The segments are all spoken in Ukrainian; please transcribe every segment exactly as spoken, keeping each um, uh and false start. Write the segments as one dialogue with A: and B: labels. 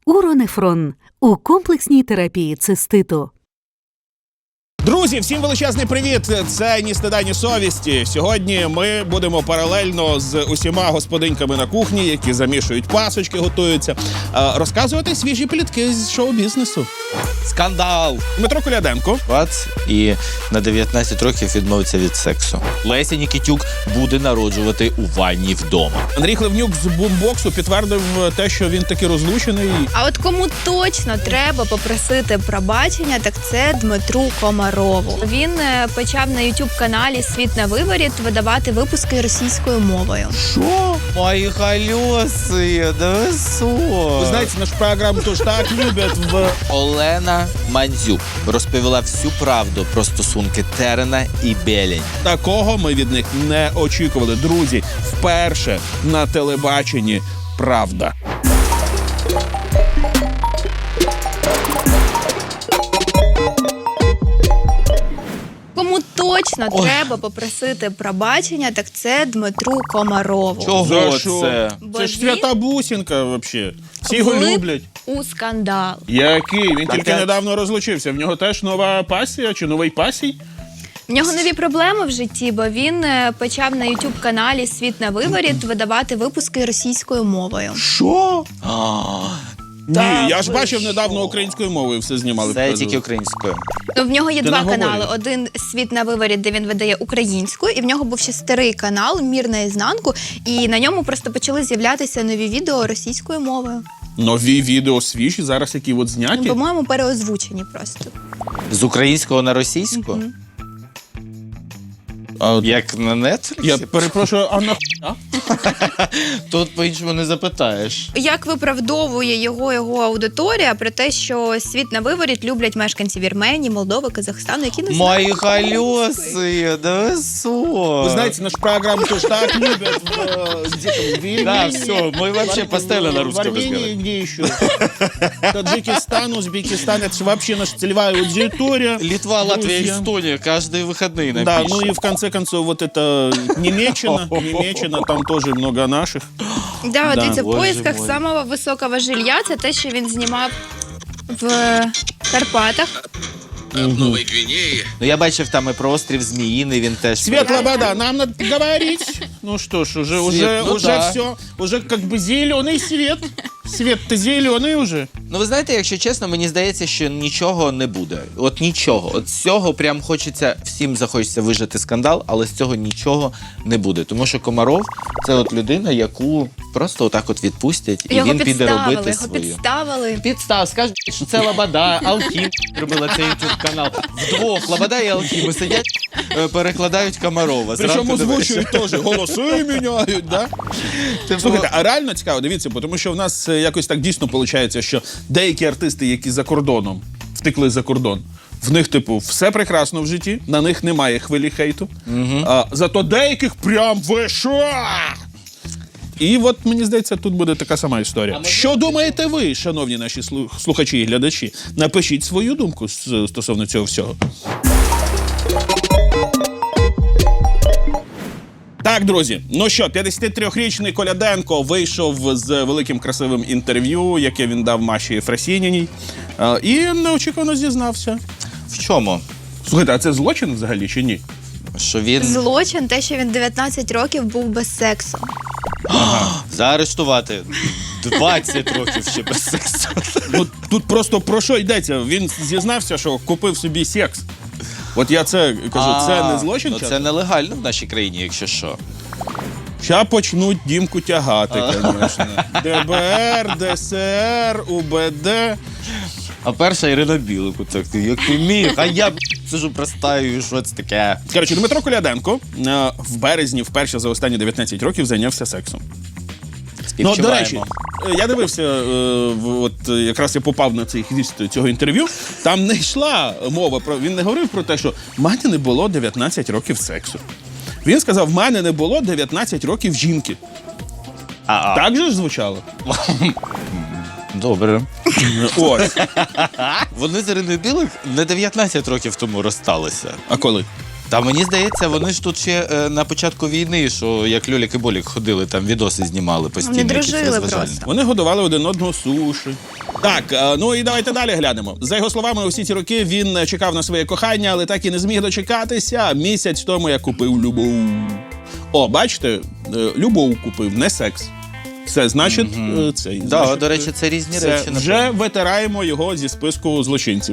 A: Уронефрон у комплексній терапії циститу.
B: Друзі, всім величезний привіт! Це «Ні стида, ні совісті». Сьогодні ми будемо паралельно з усіма господиньками на кухні, які замішують пасочки, готуються, розказувати свіжі плітки з шоу-бізнесу.
C: Скандал!
B: Дмитро Коляденко.
C: Бац, і на дев'ятнадцять років відмовиться від сексу. Леся Нікітюк буде народжувати у ванні вдома.
B: Андрій Хливнюк з бумбоксу підтвердив те, що він таки розлучений.
D: А от кому точно треба попросити пробачення, так це Дмитру Комарову. Він почав на ютуб-каналі «Світ на виворіт» видавати випуски російською мовою.
B: Що?
C: Мої колеси, да ви що?
B: Ви знаєте, нашу програму теж так люблять в...
C: Олена Мандзюк розповіла всю правду про стосунки Терена і Белень.
B: Такого ми від них не очікували. Друзі, вперше на телебаченні правда.
D: Кому точно Ой. треба попросити пробачення, так це Дмитру Комарову.
C: Чого
B: За що?
C: це?
D: Бо
B: Це ж
D: він
B: свята бусінка, взагалі. Всі його
D: влип
B: люблять.
D: у скандал.
B: Який? Він
C: Так,
B: тільки
C: так.
B: недавно розлучився. В нього теж нова пасія чи новий пасій?
D: В нього нові проблеми в житті, бо він е, почав на ютуб-каналі «Світ на виворіт» видавати випуски російською мовою.
B: Що?
C: А,
B: Ні,
C: Та
B: я ж
C: ви
B: бачив
C: що?
B: недавно українською мовою все знімали.
C: Це тільки українською.
D: Ну, в нього є
B: Ти
D: два
B: наговорюй.
D: канали. Один «Світ на виворіт», де він видає українською, і в нього був ще старий канал «Мір наізнанку», і на ньому просто почали з'являтися нові відео російською мовою.
B: Нові відео свіжі, зараз які от зняті.
D: Ну, по-моєму, переозвучені просто.
C: З українського на російську?
D: Мгм.
B: А,
C: Як на Netflix?
B: я перепрошую, а нахуя?
C: Тут по-іншому не запитаєш.
D: Як виправдовує його його аудиторія про те, що «Світ на виворіт» люблять мешканці Вірменії, Молдови, Казахстану, які не знають
C: Мої
D: української.
C: колеси, да ви що?
B: Ви знаєте, нашу програму теж так люблять в, э, где там, в Вильнюсе.
C: Да, все, мы вообще
B: В-
C: постоянно на
B: в
C: русском
B: Армении,
C: разговариваем.
B: где еще? Таджикистан, Узбекистан, это же вообще наша целевая аудитория.
C: Литва, Латвия,
B: Друзья.
C: Эстония, каждые выходные нам
B: Да,
C: пишут.
B: ну и в конце концов вот это Немеччина, Немеччина, там тоже много наших.
D: Да,
B: Да.
D: дивіться, в
C: Боже
D: поїсках
C: мой.
D: самого високого жилья це те, що він знімав в Карпатах.
E: Новой Гвинеи.
C: Ну я бачив там і про острів Зміїний, він теж.
B: Светлая вода, нам надо говорить. Ну что ж, уже, уже,
C: Свет, ну
B: уже
C: да.
B: все, уже как бы зеленый свет. Свет-то зеленый уже.
C: Ну ви знаєте, якщо чесно, мені здається, що нічого не буде. От нічого. От з цього прям хочеться, всім захочеться вижити скандал, але з цього нічого не буде. Тому що Комаров – це от людина, яку просто отак от відпустять, і
D: Його
C: він піде
D: підставили,
C: робити
D: його
C: свою.
D: підставили.
C: Підстав, скажуть, що це Лобода, Алхім робила цей ютуб-канал. Вдвох Лобода і Алхім сидять, е, перекладають Комарова.
B: Причому
C: Зранку до
B: озвучують теж, голоси міняють, да?
C: Типу,
B: Слухайте, а реально цікаво, дивіться, тому що в нас е, якось так дійсно виходить, що деякі артисти, які за кордоном, втекли за кордон, в них, типу, все прекрасно в житті, на них немає хвилі хейту, а, зато деяких прям виша! І от, мені здається, тут буде така сама історія. Що думаєте ви, шановні наші слу- слухачі і глядачі? Напишіть свою думку з- стосовно цього всього. Так, друзі, ну що, п'ятдесятитрирічний Коляденко вийшов з великим красивим інтерв'ю, яке він дав Маші Єфросініній, е, і неочікувано зізнався.
C: в чому?
B: Слухайте, а це злочин взагалі чи ні?
C: Що він
D: Злочин те, що він дев'ятнадцять років був без сексу.
C: заарештувати двадцять років ще без сексу.
B: Ну, тут просто про що йдеться? Він зізнався, що купив собі секс. От я це кажу, це не злочин?
C: Ну,
B: часом?
C: це нелегально в нашій країні, якщо що.
B: Ща почнуть Дімку тягати, звісно. ДБР, ДСР, УБД.
C: А перша Ірина Білику, так, як ти міг, а я б, сижу простаю, що це таке?
B: Коротше, Дмитро Коляденко е, в березні вперше за останні дев'ятнадцять років зайнявся сексом. Ну, до речі, е, я дивився, е, в- от е, якраз я попав на цей хвіст цього інтерв'ю, там не йшла мова про, він не говорив про те, що в мене не було дев'ятнадцять років сексу. Він сказав, в мене не було дев'ятнадцять років жінки.
C: А-а.
B: Так же ж звучало?
C: Добре.
B: Ось.
C: Вони з Іриною Білик не дев'ятнадцять років тому розсталися.
B: А коли?
C: Та мені здається, вони ж тут ще е, на початку війни, що як Льолік і Болік ходили, там відоси знімали постійно.
D: Вони
C: якісь
D: дружили
C: розважальні.
D: просто.
B: Вони годували один одного суші. Так, е, ну і давайте далі глянемо. За його словами, усі ці роки він чекав на своє кохання, але так і не зміг дочекатися. Місяць тому я купив любов. О, бачите, е, любов купив, не секс. Все, значить, е, цей.
C: Да,
B: значить,
C: до речі, це різні
B: Це
C: речі.
B: вже
C: напевно.
B: витираємо його зі списку злочинців.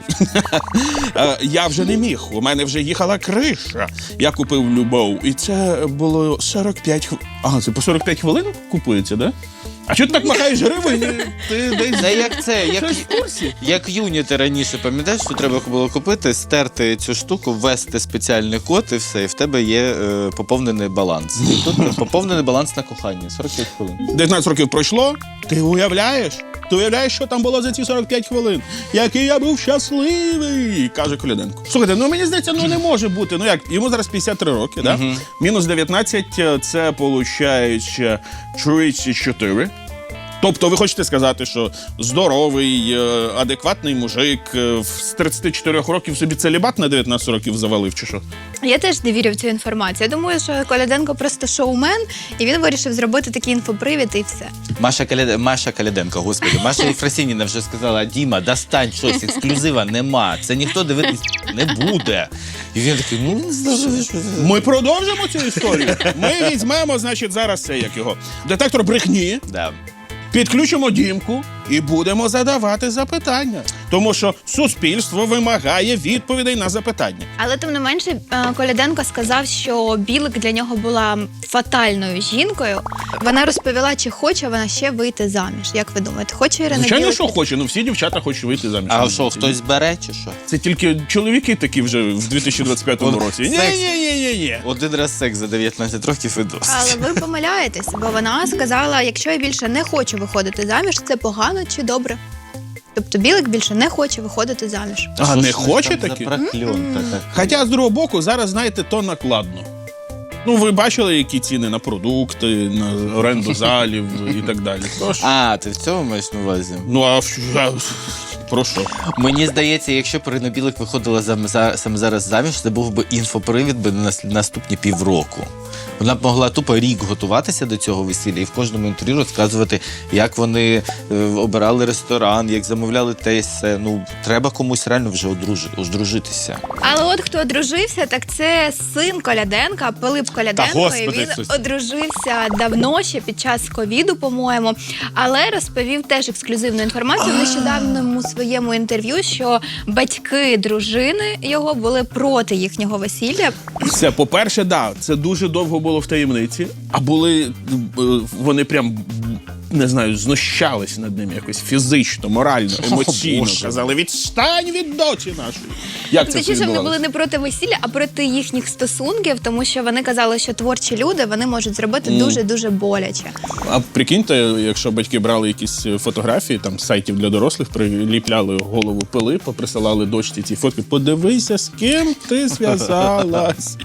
B: Е, Я вже не міг, у мене вже їхала криша. Я купив любов, і це було сорок п'ять хвилин. Ага, це по сорок п'ять хвилин купується, да? А чого ти так махаєш гривень? Ти десь
C: Це як це, як,
B: щось в курсі?
C: як юніти раніше, пам'ятаєш, що треба було купити, стерти цю штуку, ввести спеціальний код і все, і в тебе є е, поповнений баланс. І тут поповнений баланс на кохання, сорок п'ять хвилин.
B: дев'ятнадцять років пройшло, ти уявляєш? Ти уявляєш, що там було за ці сорок п'ять хвилин? Який я був щасливий, каже Коляденко. Слухайте, ну мені здається, ну не може бути. Ну як, йому зараз п'ятдесят три роки, да? Мінус дев'ятнадцять, це виходить тридцять чотири. Тобто ви хочете сказати, що здоровий, е, адекватний мужик е, з тридцяти чотирьох років собі целібат на дев'ятнадцять років завалив, чи що?
D: Я теж не вірю в цю інформацію. Я думаю, що Коляденко просто шоумен, і він вирішив зробити такий інфопривід і все.
C: Маша, Каля... Маша Каляденко, господи. Маша Єфросініна вже сказала: Діма, достань щось, ексклюзива нема. Це ніхто дивитись не буде. І він такий, ну не знаю, що це.
B: Ми продовжимо цю історію. Ми візьмемо, значить, зараз це, як його, детектор брехні,
C: Да.
B: підключимо Дімку і будемо задавати запитання. Тому що суспільство вимагає відповідей на запитання.
D: Але тим не менше, е, Коляденко сказав, що Білик для нього була фатальною жінкою. Вона розповіла, чи хоче вона ще вийти заміж. Як ви думаєте, хоче Ірина
B: Звичайно,
D: Білик?
B: що хоче, ну всі дівчата хочуть вийти заміж.
C: А що, хтось бере чи що?
B: Це тільки чоловіки такі вже в дві тисячі двадцять п'ятому
C: От
B: році.
C: секс.
B: Ні-ні-ні-ні.
C: Один раз секс за дев'ятнадцять років і досить.
D: Але ви помиляєтесь, бо вона сказала, якщо я більше не хочу виходити заміж, це погано чи добре? Тобто Білик більше не хоче виходити заміж.
B: А
C: Що
B: не
C: ж
B: хоче
C: там за
B: таки?
C: прокльон така?
B: Хоча, з другого боку, зараз, знаєте, то накладно. Ну, ви бачили, які ціни на продукти, на оренду залів і так далі. Тож,
C: А, ти в цьому маєш на увазі?
B: ну, а в- а, про що?
C: Мені здається, якщо б Ірина Білик виходила зам- за, саме зараз заміж, це був би інфопривід би на нас- наступні півроку. Вона б могла тупо рік готуватися до цього весілля і в кожному інтерв'ю розказувати, як вони е, обирали ресторан, як замовляли те і все. Ну, треба комусь реально вже одружи, одружитися.
D: Але от хто одружився, так це син Коляденка, Пилип Коляденко.
C: Та, господи,
D: і він
C: Ісусе.
D: одружився давно, ще під час ковіду, по-моєму. Але розповів теж ексклюзивну інформацію в нещодавньому своєму інтерв'ю, що батьки дружини його були проти їхнього весілля.
B: Все, по-перше, да, це дуже довго було в таємниці, а були, е, вони прям, не знаю, знущались над ним якось фізично, морально, емоційно.
C: Боже.
B: Казали, відстань від доці нашої. Як це все
D: Точніше, вони
B: відбувалося?
D: були не проти весілля, а проти їхніх стосунків, тому що вони казали, що творчі люди вони можуть зробити дуже-дуже боляче.
B: А прикиньте, якщо батьки брали якісь фотографії, там, з сайтів для дорослих, приліпляли голову Пилипа, поприсилали дочці ці фотки, подивися, з ким ти зв'язалась.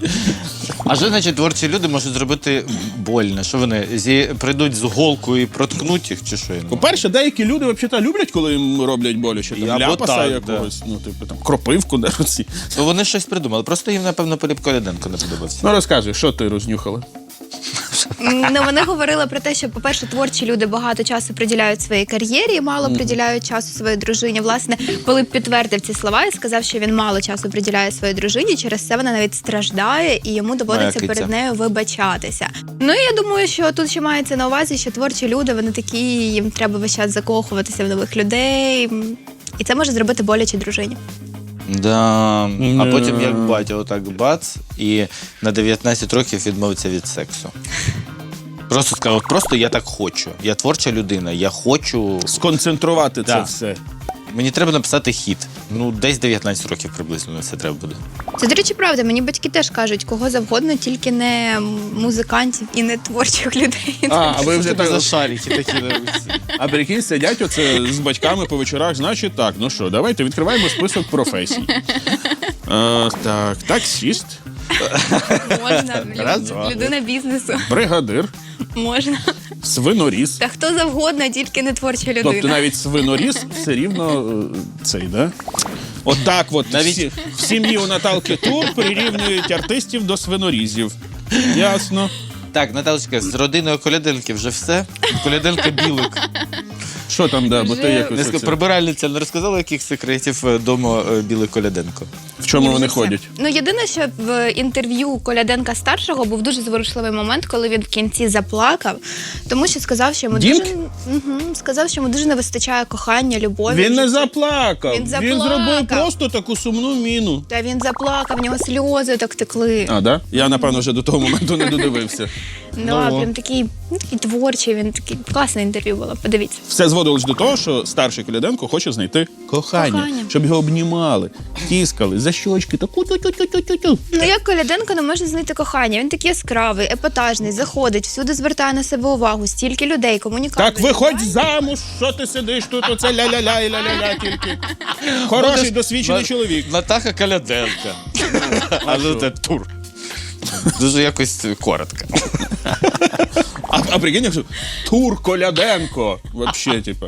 C: А що значить творчі люди можуть зробити больно? Що вони зі... прийдуть з голкою і проткнуть їх, чи що?
B: По-перше, деякі люди взагалі люблять, коли їм роблять боляче.
C: І
B: Там,
C: або
B: ляпаса
C: так,
B: якогось, ну, типу, там, кропивку даруці.
C: То вони щось придумали. Просто їм, напевно, Пилип Коляденко не подобався.
B: Ну, розказуй, що ти рознюхала?
D: Ну, вони говорили про те, що, по-перше, творчі люди багато часу приділяють своїй кар'єрі і мало приділяють часу своїй дружині. Власне, Пилип підтвердив ці слова і сказав, що він мало часу приділяє своїй дружині, через це вона навіть страждає і йому доводиться
C: Моя киця.
D: перед нею вибачатися. Ну, і я думаю, що тут ще мається на увазі, що творчі люди, вони такі, їм треба весь час закохуватися в нових людей, і це може зробити боляче дружині.
C: Да. А потім, як батя, отак бац, і на дев'ятнадцять років відмовиться від сексу. Просто сказав, просто я так хочу. Я творча людина, я хочу.
B: Сконцентрувати це
C: Да.
B: все.
C: Мені треба написати хіт. Ну, десь дев'ятнадцять років приблизно на це треба буде.
D: Це, до речі, правда. Мені батьки теж кажуть, кого завгодно, тільки не музикантів і не творчих людей.
B: А, а ви вже так...
C: за шарики такі.
B: А прикинь, сидять оце з батьками по вечорах, значить так, ну що, давайте відкриваємо список професій. А, так, таксіст,
D: Можна,
C: Раз,
D: люд-
C: два.
D: людина бізнесу.
B: бригадир,
D: Можна.
B: свиноріз.
D: Та хто завгодно, тільки не творча людина.
B: Тобто навіть свиноріз все рівно е, цей, да? Отак от
C: Навіть-
B: всі, в сім'ї у Наталки Тур прирівнюють артистів до свинорізів. Ясно.
C: Так, Наталочка, з родиною Коляденки вже все. Коляденка Білик.
B: Що там, да, бо ти
C: Не
B: якось
C: ска-
B: оце-
C: Прибиральниця не розказала, яких секретів вдома Білик Коляденко.
B: в чому
D: Ні,
B: вони
D: вже все.
B: ходять?
D: Ну, єдине, що в інтерв'ю Коляденка старшого був дуже зворушливий момент, коли він в кінці заплакав, тому що сказав, що йому
B: Дімк?
D: дуже угу, сказав, що йому дуже не вистачає кохання, любові.
B: Він
D: в
B: не
D: житті.
B: заплакав.
D: Він
B: Він
D: заплакав.
B: зробив просто таку сумну міну.
D: Та він заплакав, в нього сльози так текли.
B: А, да? Я, напевно, вже до того моменту не додивився.
D: Ну, а прям такий, ну, такий творчий, він такий класне інтерв'ю було. Подивіться.
B: Все зводилось до того, що старший Коляденко хоче знайти кохання,
D: Кохання.
B: щоб його обнімали, тіскали, за щочки, таку тю тю тю тю тю тю
D: Ну як Коляденко не може знайти кохання? Він такий яскравий, епатажний, заходить, всюди звертає на себе увагу, стільки людей, комунікації.
B: Так виходь замуж, що ти сидиш тут, оце ля-ля-ля і ля-ля-ля тільки. Хороший, досвідчений
C: На-
B: чоловік.
C: Натаха Коляденка. А ну це тур. Дуже якось коротко.
B: А, а прикинь, якщо Тур Коляденко, вообще, типа.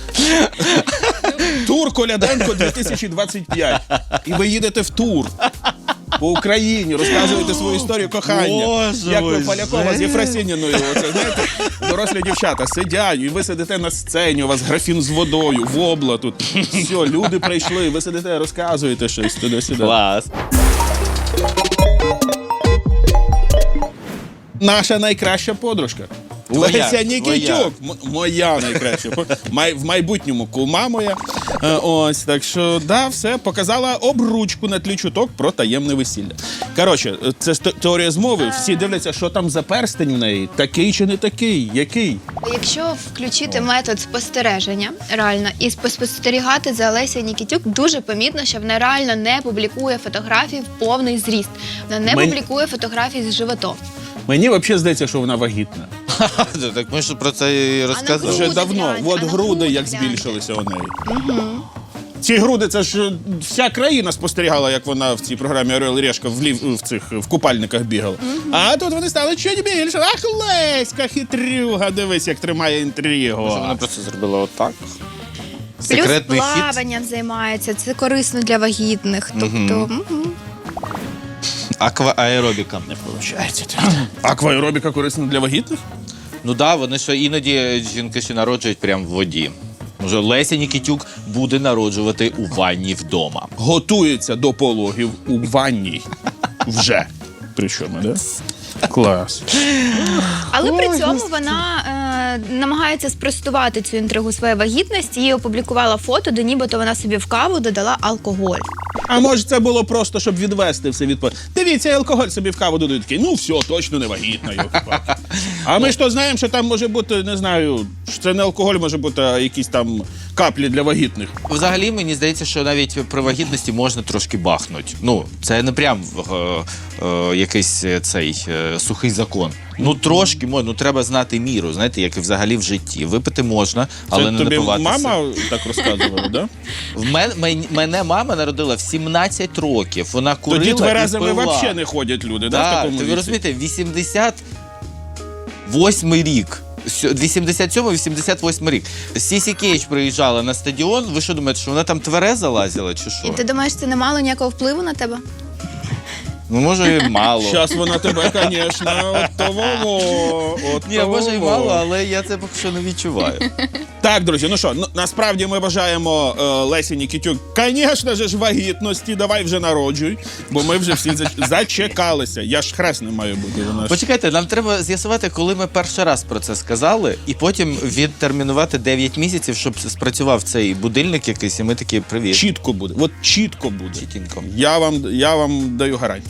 B: Тур Коляденко дві тисячі двадцять п'ять. І ви їдете в тур. По Україні розказуєте свою історію кохання.
C: Боже
B: Як ви
C: мой,
B: Полякова з
C: жесть.
B: Єфросиніною. Оце, знаєте, дорослі дівчата сидять, і ви сидите на сцені, у вас графін з водою, вобла тут. Все, люди прийшли, ви сидите, розказуєте щось туди-сюди.
C: Клас.
B: Наша найкраща подружка.
C: Твоя,
B: Леся
C: твоя.
B: Нікітюк. М- моя найкраща. По- май- В майбутньому кума моя. Е, Ось, так що, да, все, показала обручку на тлі чуток про таємне весілля. Коротше, е, це ж те- теорія змови. Всі дивляться, що там за перстень в неї. Такий чи не такий? Який?
D: Якщо включити метод спостереження реально і спостерігати за Лесею Нікітюк, дуже помітно, що вона реально не публікує фотографії в повний зріст. Вона не
B: Мені-
D: публікує фотографії з животом.
B: Мені взагалі здається, що вона вагітна.
C: Так ми ж про це і розказували.
B: Вже
D: Груди
B: давно.
D: гляньте,
B: От
D: а на
B: груди
D: груди
B: як
D: гляньте.
B: збільшилися у неї. Ці груди, це ж е, вся країна спостерігала, як вона в цій програмі Орел і Решка в, лів, в цих в купальниках бігала. А тут вони стали чуть більше. Ах, Леська, хитрюга, дивись, як тримає інтригу.
C: Може, вона просто зробила отак.
D: Плюс
C: Секретний хід.
D: плаванням займається, це корисно для вагітних. Тобто, мгм.
C: Аквааеробіка.
B: Получається. Акваеробіка корисна для вагітних?
C: Ну да, вони що іноді жінки ще народжують прямо в воді. Може, Леся Нікітюк буде народжувати у ванні вдома.
B: Готується до пологів у ванній. Вже. Причому, да? Клас.
D: Але при цьому вона е, намагається спростувати цю інтригу своєї вагітності і опублікувала фото, де нібито вона собі в каву додала алкоголь.
B: А може це було просто, щоб відвести все від... Дивіться, алкоголь собі в каву додають. Такий, ну все, точно не вагітна. йолки-палки. А ми ж то знаємо, що там може бути, не знаю, що це не алкоголь, може бути а якісь там каплі для вагітних.
C: Взагалі, мені здається, що навіть при вагітності можна трошки бахнути. Ну, це не прям е, е, якийсь е, цей е, сухий закон. Ну, трошки можна, ну треба знати міру, знаєте, як і взагалі в житті. Випити можна, але
B: Це
C: не
B: тобі
C: напиватися.
B: мама так розказувала, да?
C: В мен, мен- мене мама народила в сімнадцять років. Вона курила
B: Тоді тверезими
C: і пила.
B: взагалі не ходять люди, да, в
C: Так,
B: такому
C: ви
B: віці?
C: розумієте, вісімдесят восьмий рік. вісімдесят сьомий вісімдесят восьмий рік. Сісі Кейдж приїжджала на стадіон. Ви що думаєте, що вона там твереза лазила чи що?
D: І ти думаєш, це не мало ніякого впливу на тебе?
C: Ну, може, і мало.
B: Зараз вона тебе, звісно, от того, от
C: Ні, може і
B: того.
C: мало, але я це поки що не відчуваю.
B: Так, друзі, ну що, ну, насправді ми бажаємо е, Лесі Нікітюк, звісно ж, вагітності, давай вже народжуй, бо ми вже всі зач- зачекалися. Я ж хресний маю бути. Вона ж...
C: Почекайте, нам треба з'ясувати, коли ми перший раз про це сказали, і потім відтермінувати дев'ять місяців, щоб спрацював цей будильник якийсь, і ми такі привіт.
B: Чітко буде, от чітко буде.
C: Чітенько.
B: Я вам, я вам даю гарантію.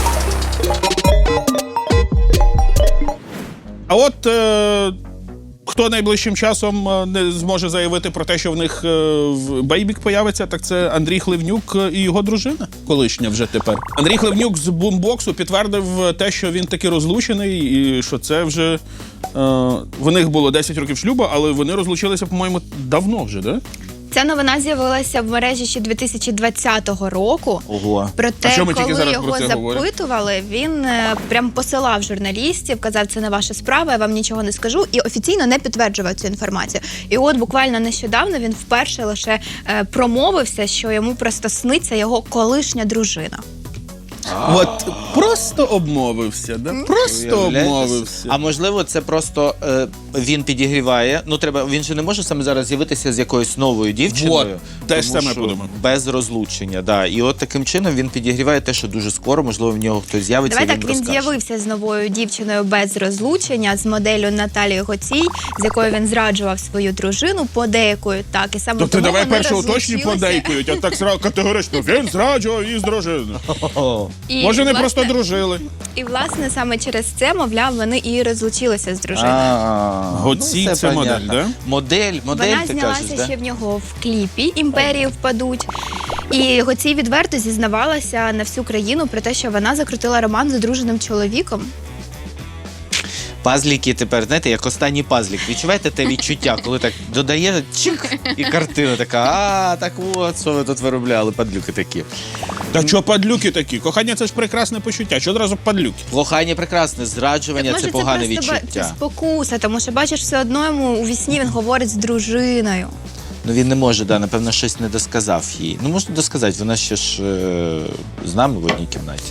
B: А от е, хто найближчим часом е, не зможе заявити про те, що в них е, в бейбік появиться, так це Андрій Хливнюк і його дружина, колишня вже тепер. Андрій Хливнюк з бумбоксу підтвердив те, що він таки розлучений, і що це вже е, в них було десять років шлюбу, але вони розлучилися, по-моєму, давно вже, да?
D: Ця Ця новина з'явилася в мережі ще дві тисячі двадцятого року.
C: Ого.
D: Проте,
B: А що ми тільки
D: коли
B: зараз
D: його
B: про це говоримо?
D: запитували, він е, прям посилав журналістів, казав, це не ваша справа, я вам нічого не скажу, і офіційно не підтверджував цю інформацію. І от буквально нещодавно він вперше лише е, промовився, що йому просто сниться його колишня дружина.
B: От просто обмовився, да? Просто
C: Уявляєте?
B: обмовився.
C: А можливо, це просто е, він підігріває. Ну треба, він же не може саме зараз з'явитися з якоюсь новою дівчиною.
B: Вот, те ж
C: тому
B: саме
C: що
B: подумав.
C: Без розлучення, да. І от таким чином він підігріває те, що дуже скоро, можливо, в нього хтось з'явиться.
D: Давай
C: і
D: так,
C: він
D: він
C: розкаже.
D: з'явився з новою дівчиною без розлучення, з моделлю Наталією Гоцій, з якою він зраджував свою дружину, подейкують так. І саме
B: Тобто
D: тому
B: давай
D: вони
B: перше уточні
D: розлучилися.
B: подейкують, а так сразу категорично він зраджував її з дружиною.
D: І,
B: Може, не
D: власне,
B: просто дружили.
D: І, власне, саме через це, мовляв, вони і розлучилися з дружиною.
C: А,
B: Гоцій
C: ну,
B: це модель,
C: понятно.
B: да?
C: Модель, модель,
D: Вона
C: ти
D: знялася
C: кажеш, да?
D: ще в нього в кліпі «Імперії впадуть». І Гоцій відверто зізнавалася на всю країну про те, що вона закрутила роман з одруженим чоловіком.
C: Пазліки тепер, знаєте, як останній пазлік. Відчуваєте те відчуття, коли так додає чик, і картина така, а, так от, що ви тут виробляли, падлюки такі.
B: Та що падлюки такі? Кохання це ж прекрасне почуття. Що одразу падлюки?
C: Кохання прекрасне, зраджування
D: Може,
C: це погане
D: це просто ба-
C: відчуття.
D: це спокуса, тому що, бачиш, все одно йому у вісні він говорить з дружиною.
C: Ну він не може, да, напевно, щось не досказав їй. Ну можна досказати, вона ще ж е, з нами в одній кімнаті.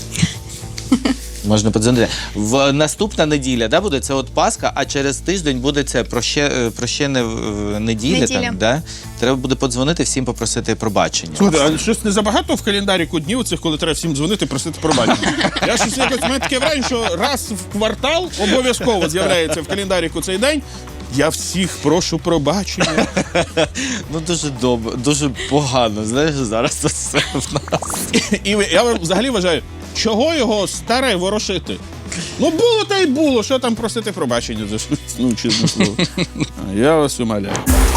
C: Можна подзвонити. В наступна неділя, да, буде це от Пасха, а через тиждень буде це проще, е, прощене в- неділя.
D: Неділя.
C: Там, да? Треба буде подзвонити всім, попросити пробачення.
B: Слухай, а щось не забагато в календаріку днів цих, коли треба всім дзвонити, просити пробачення. Я щось якось, в мене таке враження, що раз в квартал обов'язково з'являється в календаріку цей день. Я всіх прошу пробачення.
C: Ну дуже добре, дуже погано. Знаєш, зараз це все в нас.
B: І я взагалі вважаю, чого його старе ворошити? Ну було та й було, що там просити пробачення за щось, ну чесне слово. А, Я вас умоляю.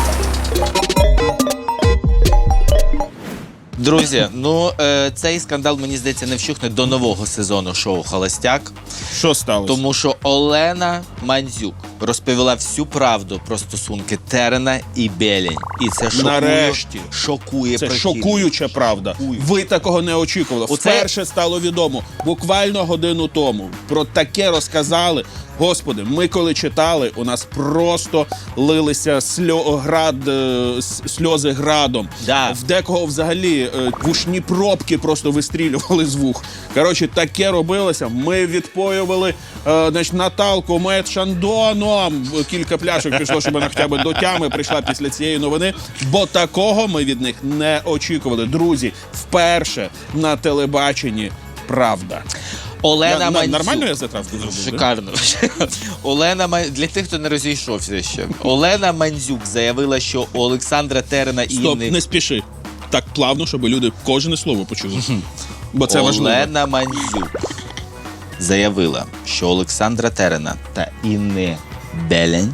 C: Друзі, ну е, цей скандал, мені здається, не вщухне до нового сезону шоу «Холостяк».
B: Що сталося?
C: Тому що Олена Мандзюк розповіла всю правду про стосунки Терена і Белень. І це шокує,
B: Нарешті.
C: шокує
B: Це
C: прихильників.
B: шокуюча правда. Ви такого не очікували.
C: Оце-
B: Вперше стало відомо, буквально годину тому. Про таке розказали. Господи, ми коли читали, у нас просто лилися сльо... град, е, с- сльози градом.
C: Да.
B: В декого взагалі е, вушні пробки просто вистрілювали з вух. Коротше, таке робилося. Ми відпоювали е, значить, Наталку Мед Шандоном. Кілька пляшок пішло, щоб вона хоча б до тями прийшла після цієї новини. Бо такого ми від них не очікували. Друзі, вперше на телебаченні правда.
C: Олена
B: Я- на-
C: Мандзюк.
B: Нормально я затравку зробив? да?
C: Шикарно. Олена Ман- для тих, хто не розійшовся ще. Олена Мандзюк заявила, що у Олександра Терена і
B: Стоп,
C: Інни...
B: не спіши. Так плавно, щоб люди кожне слово почули. Бо це важливо.
C: Олена Мандзюк заявила, що Олександра Терена та Інни Белень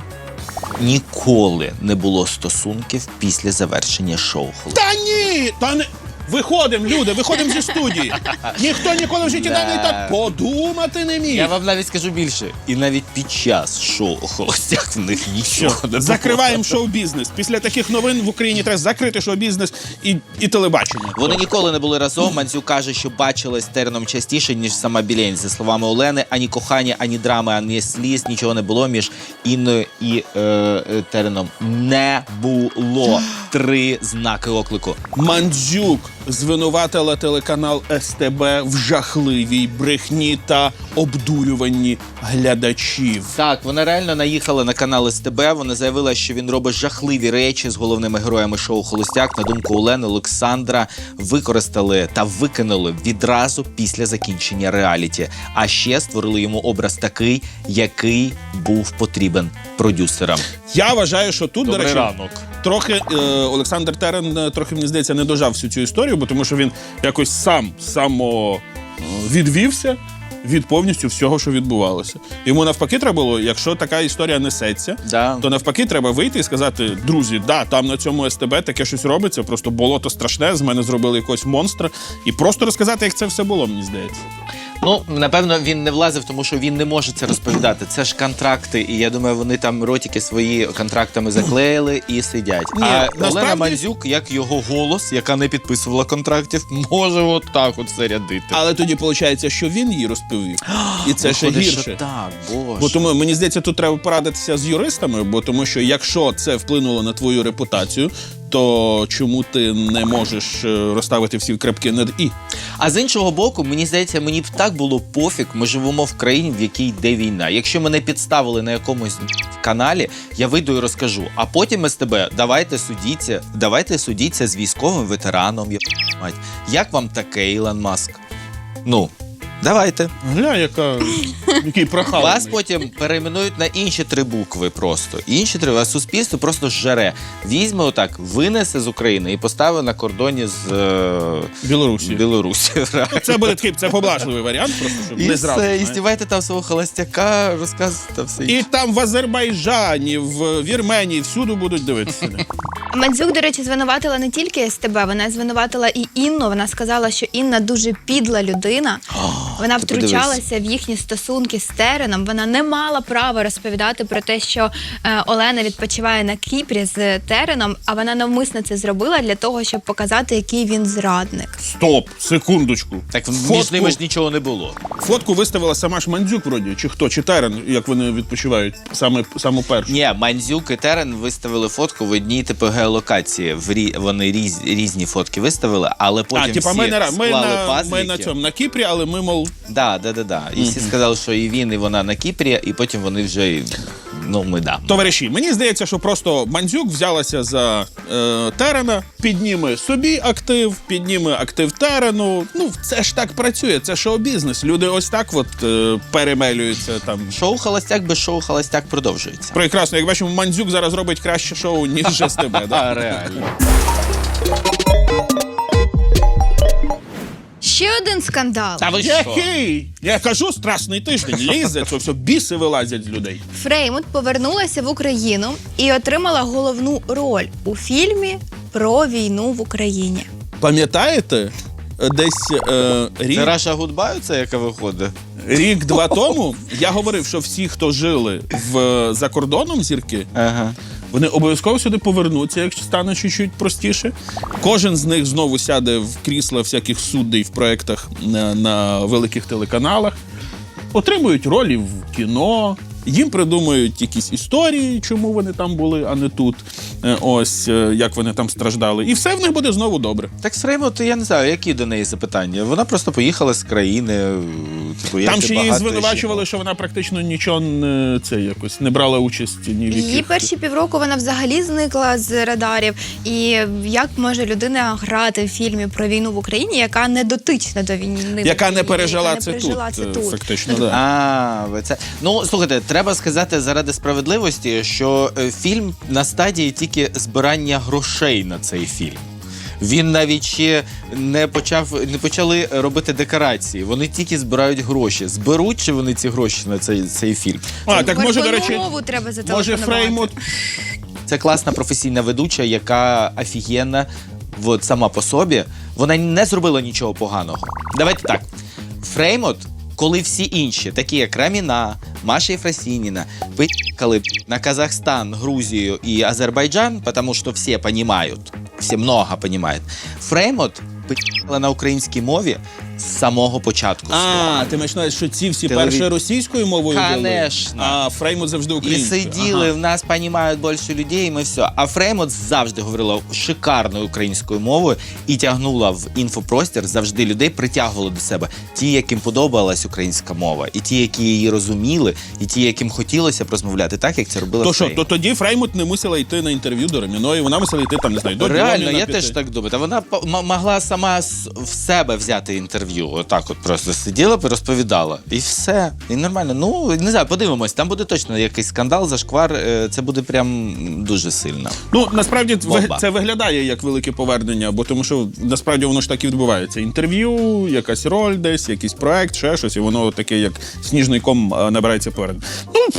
C: ніколи не було стосунків після завершення шоу «Холостяк».
B: Та ні! Та не... Виходимо, люди, виходимо зі студії. Ніхто ніколи в житті
C: Да.
B: навіть так подумати не міг.
C: Я вам навіть скажу більше. І навіть під час шоу «Холостяк» в них нічого не було.
B: Закриваємо шоу-бізнес. Після таких новин в Україні треба закрити шоу-бізнес і, і телебачення.
C: Вони ніколи не були разом. Мандзюк каже, що бачилась з Тереном частіше, ніж сама Білень. За словами Олени, ані кохання, ані драми, ані сліз, нічого не було між Інною і е, е, Тереном. Не було. Три знаки оклику.
B: Мандзюк звинуватила телеканал Ес Те Бе в жахливій брехні та обдурюванні глядачів.
C: Так, вона реально наїхала на канал Ес Те Бе. Вона заявила, що він робить жахливі речі з головними героями шоу «Холостяк». На думку Олени, Олександра використали та викинули відразу після закінчення реаліті. А ще створили йому образ такий, який був потрібен продюсерам.
B: Я вважаю, що тут, до
C: Добрий
B: речі,
C: ранок.
B: трохи е, Олександр Терен е, трохи, мені здається, не дожав всю цю історію, бо тому що він якось сам само е, відвівся від повністю всього, що відбувалося. Йому навпаки треба було, якщо така історія несеться,
C: Да.
B: то навпаки треба вийти і сказати: друзі, да, там на цьому Ес Те Бе таке щось робиться, просто болото страшне, з мене зробили якогось монстра, і просто розказати, як це все було, мені здається.
C: Ну, напевно, він не влазив, тому що він не може це розповідати. Це ж контракти, і я думаю, вони там ротики свої контрактами заклеїли і сидять.
B: Ні,
C: а
B: насправді-
C: Олена Мандзюк, як його голос, яка не підписувала контрактів, може от так от все рядити.
B: Але тоді виходить, що він її розповів. І це ще
C: Виходить, що
B: гірше.
C: так, боже.
B: Бо тому мені здається, тут треба порадитися з юристами, бо тому що якщо це вплинуло на твою репутацію, то чому ти не можеш е, розставити всі крапки над і?
C: А з іншого боку, мені здається, мені б так було пофіг, ми живемо в країні, в якій йде війна. Якщо мене підставили на якомусь каналі, я вийду і розкажу. А потім ми з тебе, давайте судіться, давайте судіться з військовим ветераном. Я мать. Як вам таке, Ілон Маск? Ну, давайте.
B: Гля, яка який прохаваний.
C: Вас потім перейменують на інші три букви просто. Інші три, а суспільство просто жере. Візьме отак, винесе з України і поставить на кордоні з е...
B: Білорусі.
C: Білорусі.
B: Це буде такий, це поблажливий варіант, просто щоб
C: І
B: не зразу.
C: все, і
B: знаєш.
C: стівайте там свого холостяка, розказуйте все.
B: І там в Азербайджані, в Вірменії, всюди будуть дивитися.
D: Мандзюк, до речі, звинуватила не тільки СТБ, вона звинуватила і Інну. Вона сказала, що Інна дуже підла людина. Вона
C: ти
D: втручалася в їхні стосунки з Тереном. Вона не мала права розповідати про те, що е, Олена відпочиває на Кіпрі з Тереном, а вона навмисно це зробила для того, щоб показати, який він зрадник.
B: Стоп, секундочку.
C: Так між
B: Фотку-
C: ними ж нічого не було.
B: Фотку виставила сама ж Мандзюк, вроді, чи хто, чи Терен, як вони відпочивають, саме саму першу.
C: Ні, Мандзюк і Терен виставили фотку в одній типу геолокації. В рі... Вони різ... різні фотки виставили, але потім
B: А, типа,
C: всі
B: ми, не, ра- ми,
C: склали
B: на,
C: пазлики.
B: ми на цьому, на Кіпрі, але ми, мов,
C: Да, да, да, да. І всі сказали, що і він, і вона на Кіпрі, і потім вони вже, ну, ми да.
B: товариші, мені здається, що просто Мандзюк взялася за е, Терена, підніме собі актив, підніме актив Терену. Ну, це ж так працює, це шоу-бізнес. Люди ось так от е, перемелюються там.
C: Шоу «Холостяк» без шоу «Холостяк» продовжується.
B: Прекрасно, як бачимо, Мандзюк зараз робить краще шоу, ніж СТБ,
C: А,
B: да?
C: реально.
D: Ще один скандал.
C: Та ви що?
B: Який? Я кажу, страшний тиждень, лізе, це все, біси вилазять з людей.
D: Фреймут повернулася в Україну і отримала головну роль у фільмі про війну в Україні.
B: Пам'ятаєте, десь е, рік,
C: Це Раша Гудбаю, це яка виходить?
B: рік-два тому я говорив, що всі, хто жили в, за кордоном, зірки,
C: Ага.
B: вони обов'язково сюди повернуться, якщо стане чуть-чуть простіше. Кожен з них знову сяде в крісла всяких суддей в проєктах на, на великих телеканалах, отримують ролі в кіно, їм придумують якісь історії, чому вони там були, а не тут. Е, Ось, е, як вони там страждали. І все в них буде знову добре.
C: Так з Фреймут, я не знаю, які до неї запитання. Вона просто поїхала з країни. Типу, як
B: Там
C: і
B: ще її
C: багато
B: звинувачували, що вона практично нічого не, це, якось, не брала участь ні в
D: Її
B: яких.
D: перші півроку вона взагалі зникла з радарів. І як може людина грати в фільмі про війну в Україні, яка не дотична до війни, в
B: Яка не
D: Україні,
B: пережила
D: яка не
B: це
D: пережила
B: тут,
D: це
B: е,
D: тут.
B: фактично. Да.
C: А, ви це. Ну, слухайте, треба сказати заради справедливості, що е, фільм на стадії тільки збирання грошей на цей фільм. Він навіть ще не почав, не почали робити декорації. Вони тільки збирають гроші. Зберуть чи вони ці гроші на цей, цей фільм?
B: А, так може, до
D: Горбунову
B: речі,
D: мову треба
B: може
D: зателефонувати.
B: Фреймут.
C: Це класна професійна ведуча, яка офігенна от, сама по собі. Вона не зробила нічого поганого. Давайте так. Фреймут, коли всі інші, такі як Раміна, Маша Єфросініна, пи***кали на Казахстан, Грузію і Азербайджан, тому що всі розуміють, всі много розуміють. Фреймут пи***кала на українській мові з самого початку.
B: А, ти маєш на увазі, що ці всі
C: Телеві-
B: перші російською мовою вели?
C: Конечно.
B: А Фреймут завжди
C: І
B: українською.
C: сиділи,
B: Ага.
C: в нас розуміють більше людей, і ми все. А Фреймут завжди говорила шикарною українською мовою і тягнула в інфопростір, завжди людей притягувала до себе. Ті, яким подобалась українська мова, і ті, які її розуміли, і ті, яким хотілося б розмовляти так, як це робила
B: То що,
C: Фреймут.
B: то тоді Фреймут не мусила йти на інтерв'ю до Реміної, вона мусила йти там, не знаю, до
C: Реально,
B: Дьоміна
C: я
B: піти.
C: теж так думаю. Та вона по- м- могла сама з- в себе взяти інтерв'ю. Отак от просто сиділа б і розповідала. І все. І нормально. Ну, не знаю, подивимось. Там буде точно якийсь скандал, зашквар. е, Це буде прям дуже сильно.
B: Ну, насправді
C: Бомба.
B: ви- це виглядає як велике повернення, бо тому що насправді воно ж так і відбувається. Інтерв'ю, якась роль десь, якийсь проект, ще щось, і воно таке, як сніжний ком а, набирається повернення. Ну,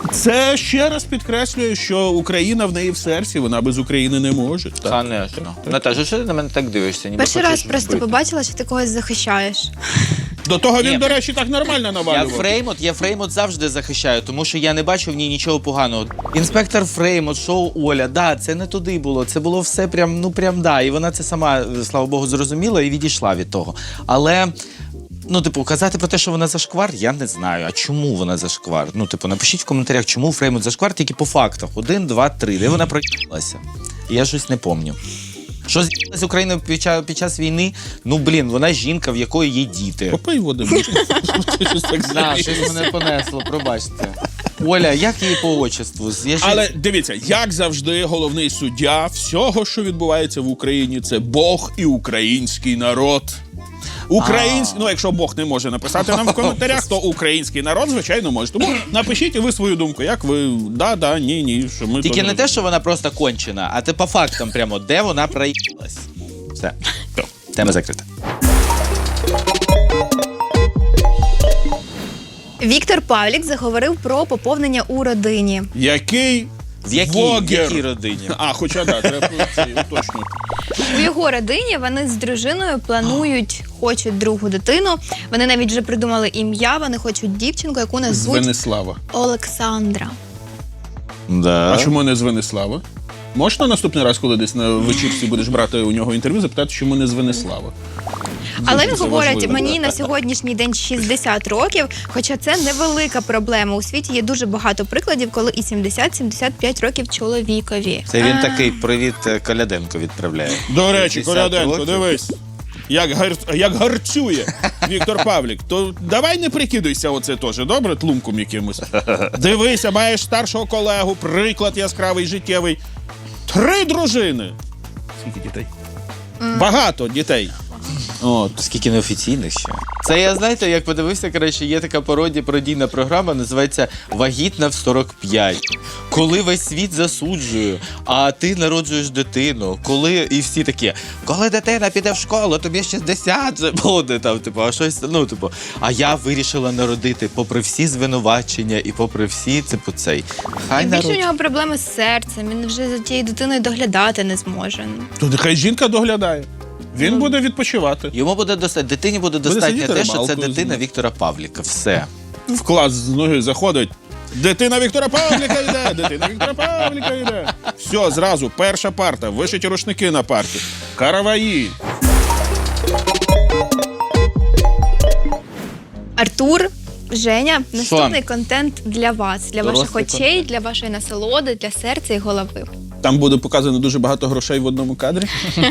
B: це ще раз підкреслює, що Україна в неї в серці, вона без України не може. Так.
C: Конечно. Наташа, що ти на мене так дивишся? Ніби
D: Перший
C: хочеш
D: раз просто
C: вбити?
D: побачила, що ти когось захищаєш.
B: До того він,
C: Ні.
B: до речі, так нормально
C: Я
B: навалював.
C: Фреймот, я Фреймот завжди захищаю, тому що я не бачу в ній нічого поганого. Інспектор Фреймот, шоу Оля, да, це не туди було, це було все прям, ну прям да. І вона це сама, слава Богу, зрозуміла і відійшла від того. Але, ну, типу, казати про те, що вона зашквар, я не знаю. А чому вона зашквар? Ну, типу, напишіть в коментарях, чому Фреймот зашквар, тільки по фактах. Один, два, три. Де вона проїхалася? Я щось не пам'ятаю. Що з'їхала з Україною під час, під час війни? Ну, блін, вона жінка, в якої є діти.
B: Попий води. Ти щось так
C: Да,
B: зробив.
C: щось мене понесло, пробачте. Оля, як її по отчеству? Я ще-
B: Але дивіться, як завжди, головний суддя всього, що відбувається в Україні, це Бог і український народ. Український, ну якщо Бог не може написати нам в коментарях, то український народ, звичайно, може. Тому напишіть і ви свою думку, як ви, да, да, ні, ні, що ми...
C: Тільки
B: то
C: не те, що вона просто кончена, а ти по фактам прямо, де вона проїхалась. Все. Тема закрита.
D: Віктор Павлік заговорив про поповнення у родині.
B: Який
C: В якій, в
B: вогер?
C: якій родині?
B: А, хоча, да, треба це уточнити.
D: У його родині вони з дружиною планують, хочуть другу дитину. Вони навіть вже придумали ім'я, вони хочуть дівчинку, яку
B: З
D: назвуть
B: Венеслава.
D: Олександра.
C: Да.
B: А чому не з Венеслава? Можна наступний раз, коли десь на вечірці будеш брати у нього інтерв'ю, запитати, чому не з Венеслава?
D: Але він
B: це
D: говорить,
B: важливо.
D: мені на сьогоднішній день шістдесят років, хоча це невелика проблема. У світі є дуже багато прикладів, коли і сімдесят-сімдесят п'ять років чоловікові.
C: Це він
D: А,
C: такий привіт е, Коляденко відправляє.
B: До речі,
C: шістдесят
B: Коляденко,
C: років.
B: дивись. Як, гар... як гарцює Віктор Павлік, то давай не прикидуйся оце теж, добре, тлумком якимось. Дивися, маєш старшого колегу, приклад яскравий, життєвий. Три дружини. Скільки дітей? Багато дітей. От.
C: Скільки неофіційних ще. Це я, знаєте, як подивився, коротше, є така пародія, пародійна програма, називається «Вагітна в сорок п'ять». Коли весь світ засуджує, а ти народжуєш дитину. Коли, і всі такі, коли дитина піде в школу, тобі шістдесят вже буде, там, типу, а щось, ну, типу. А я вирішила народити, попри всі звинувачення і попри всі, типу, цей. Хай
D: І більше у
C: народжує.
D: нього проблеми з серцем, він вже за тією дитиною доглядати не зможе.
B: То нехай жінка доглядає. Він буде відпочивати.
C: Йому буде достатньо, дитині буде достатньо
B: сидіти
C: те, що це
B: рибалкою
C: дитина
B: знімати.
C: Віктора Павліка. Все.
B: В клас з ноги заходить. Дитина Віктора Павліка йде, дитина Віктора Павліка йде. Все, зразу, перша парта, вишиті рушники на парті. Караваї.
D: Артур, Женя, наступний контент для вас, для
C: Дорослий
D: ваших очей, для вашої насолоди, для серця і голови.
B: Там буде показано дуже багато грошей в одному кадрі.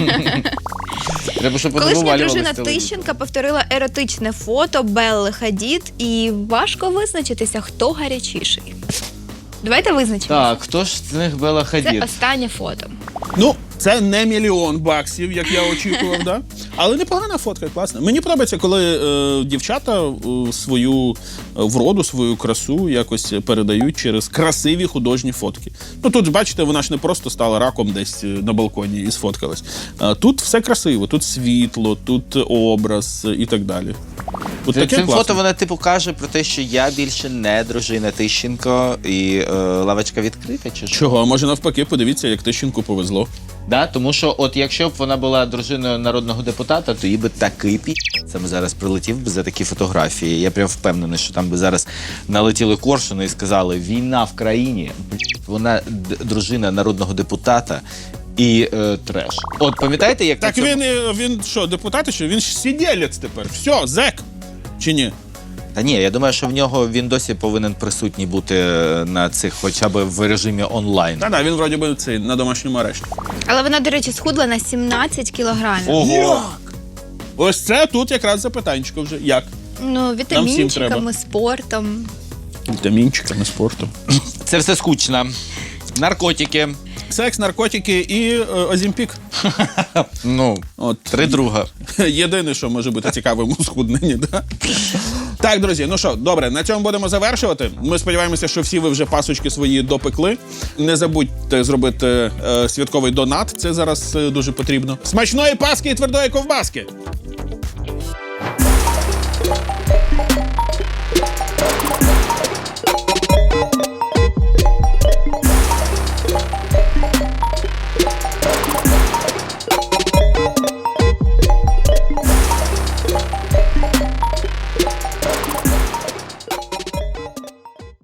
C: Треба, щоб вони
D: Колишня
C: вивалювались
D: дружина
C: з телевізора.
D: Тищенка повторила еротичне фото Белли Хадід, і важко визначитися, хто гарячіший. Давайте визначимо.
C: Так, хто ж з них Белла
D: Це
C: Хадід?
D: останнє фото.
B: Ну, це не мільйон баксів, як я очікував, да? Але непогана фотка, класна. Мені подобається, коли е, дівчата е, свою вроду, свою красу якось передають через красиві художні фотки. Ну тут, бачите, вона ж не просто стала раком десь на балконі і сфоткалась. А тут все красиво, тут світло, тут образ і так далі. От
C: Цим
B: таке
C: цим
B: класно.
C: фото вона типу каже про те, що я більше не дружина Тищенко і е, лавочка відкрита, чи що?
B: Чого? А може навпаки, подивіться, як Тищенку повезло.
C: Да, тому що от якщо б вона була дружиною народного депутата, то їй би такий пі... Саме зараз прилетів би за такі фотографії. Я прям впевнений, що там би зараз налетіли коршуни і сказали, війна в країні, вона д- дружина народного депутата і е, треш. От пам'ятаєте, як
B: Так
C: на цьому-
B: він, е, він що, депутат, що? Він ж сиділець тепер. Все, зек. Чи ні?
C: Та ні, я думаю, що в нього він досі повинен присутній бути на цих, хоча б в режимі онлайн.
B: Та-да, він вроді би цей, на домашньому арешті.
D: Але вона, до речі, схудла на сімнадцять кілограмів.
C: Ого!
B: Ось це тут якраз запитанечко вже. Як?
D: Ну,
B: всім треба.
D: вітамінчиками, спортом.
B: Вітамінчиками, спортом.
C: Це все скучно. Наркотики.
B: Секс, наркотики і е, Озімпік.
C: Ну,
B: От
C: три друга.
B: єдине, що може бути цікавим у схудненні. Да? Так, друзі, ну що, добре, на цьому будемо завершувати. Ми сподіваємося, що всі ви вже пасочки свої допекли. Не забудьте зробити е, святковий донат, це зараз е, дуже потрібно. Смачної паски і твердої ковбаски!